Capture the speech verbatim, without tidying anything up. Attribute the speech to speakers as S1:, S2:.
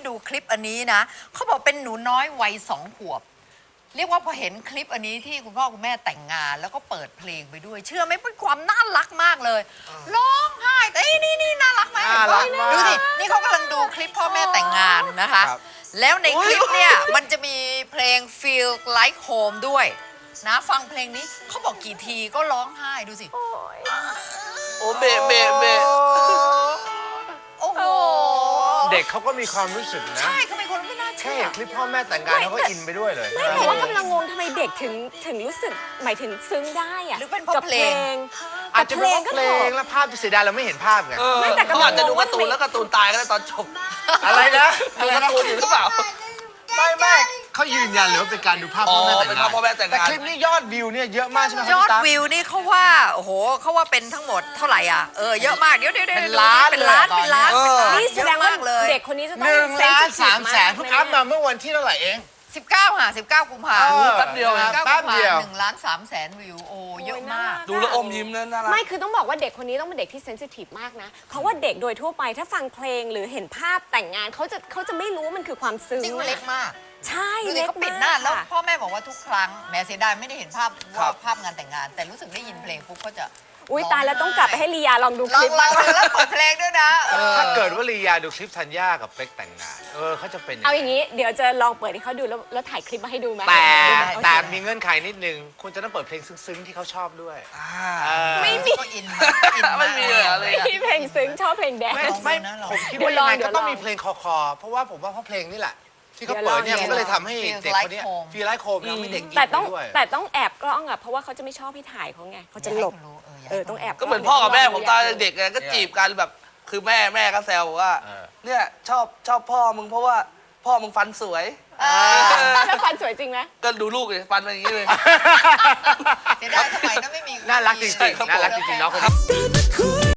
S1: ดูคลิปอันนี้นะเขาบอกเป็นหนูน้อยวัยสองขวบเรียกว่าพอเห็นคลิปอันนี้ที่คุณพ่อคุณแม่แต่งงานแล้วก็เปิดเพลงไปด้วยเชื่อไหมเป็นความน่ารักมากเลยร้องไห้แต่นี่นี่น่ารักไหมดูสินี่เขากำลังดูคลิปพ่อแม่แต่งงานนะคะแล้วในคลิปเนี่ยมันจะมีเพลง Feel Like Home ด้วยนะฟังเพลงนี้เขาบอกกี่ทีก็ร้องไห้ดูสิ
S2: โอ้เบะเบะเบะ
S1: โอ้โห
S3: เด็กเขาก็มีความรู้สึกนะ
S1: ใช่เขาเป็นคนไม่น่าเชื่อ
S3: แค่เห็นคลิปพ่อแม่แต่งงานเขาก็อินไปด้วยเลย
S4: ไม่แต่ว่ากำลังงงทำไมเด็กถึงถึงรู้สึกหมายถึงซึ้งได้อะ
S1: หรือเป็นเพราะเพลง
S3: อาจจะเป็นเพลงแล้วภาพเสียดายเราไม่เห็นภาพไง
S4: ไม่แต่
S2: เขาอาจจะดูการ์ตูนแล้วการ์ตูนตายก็ได้ตอนจบ
S3: อะไรนะ
S2: ดูการ์ตูนอยู่หรือเปล่า
S3: ไม่ไม่เขายืนยันเลยว่าเป็นการดูภาพพ่อแม่แต่งงานแต่คลิปนี้ยอดวิวเนี่ยเยอะมากใช่ไหม
S1: ยอดวิวนี่เขาว่าโอ้โหเขาว่าเป็นทั้งหมดเท่าไหร่อ่ะเออเยอะมากเดี๋ยวเดี๋ยว
S3: เป็นล้าน
S1: เป็นล้านเป็นล้าน
S4: นี่แสดงว่าเด็กคนนี้จะต้อง
S3: หนึ่งล้านสามแสนเพิ่งอัพมาเมื่อวันที่เท่าไหร่เอง
S1: สิบเก้าค่ะสิบเก้ากุมภาพันธ์
S2: แป๊บเดียวนะ
S1: แป๊บเดียวหนึ่งล้านสามแสนวิวโอ้เยอะมาก
S2: ดูแล้วอมยิ้มนั่นน่ารัก
S4: ไม่คือต้องบอกว่าเด็กคนนี้ต้องเป็นเด็กที่เซนซิทีฟมากนะเพราะว่าเด็กโดยทั่วไปถ้าฟังเพลงหรือเห็นภาพแต่งงานเขาจะเขาจะไม่รู้ว่ามันคือความซึ้ง
S1: นี่เขาเล็กมาก
S4: ใช่เล็ก
S1: เขาปิดหน้าแล้วพ่อแม่บอกว่าทุกครั้งแม่เสียดายไม่ได้เห็นภาพว่าภาพงานแต่งงานแต่รู้สึกได้ยินเพลงปุ๊บเขาจะ
S4: อุ้ยตายแล้วต้องกลับไปให้ลียาลองดูคลิป
S1: ลองแล้วเปิดเพลงด้วยนะ
S3: ถ้าเกิดว่าลียาดูคลิปธัญญากับเป๊กแต่งงานเออเขาจะเป็น
S4: เอาอย่างนี้เดี๋ยวจะลองเปิดให้เขาดูแล้วแล้วถ่ายคลิปมาให้ดูไหม
S3: แต่แต่มีเงื่อนไขนิดนึงคุณจะต้องเปิดเพลงซึ้งๆที่เขาชอบด้วย
S4: ไม่มี
S1: อิน
S2: ไม่มีอะไร
S4: ไม่มีเพลงซึ้งชอบเพลงแดนซ์
S3: ไม่ผมคิดว่ายังไงก็ต้องมีเพลงคอคอเพราะว่าผมว่าเพราะเพลงนี่แหละที่เขาเปิดเนี่ยมันก็เลยทำให้เด็กคนนี้ฟีลไลค์โคมแล้วไม่เด็กอิน
S4: แต่ต้อง
S3: ด้วย
S4: แต่ต้องแอบกล้องอ่ะเพราะว่าเขาจะไม่ชอบให้ถ่ายเขาไงเขาจะหลบเออต้องแอบ
S2: ก็เหมือนพ่อกับแม่ผมตอนเด็กๆก็จีบกันแบบคือแม่แม่ก็แซวว่าเนี่ยชอบชอบพ่อมึงเพราะว่าพ่อมึงฟันสวย
S4: แล้วฟันสวยจริงไหม
S2: ก็ดูลูกเลยฟันเป็นอย่างนี้เลย
S1: เสียดายสมัยนั้นไม่มี
S3: น่ารักจริงๆน่ารักจริงๆน้องคนนี้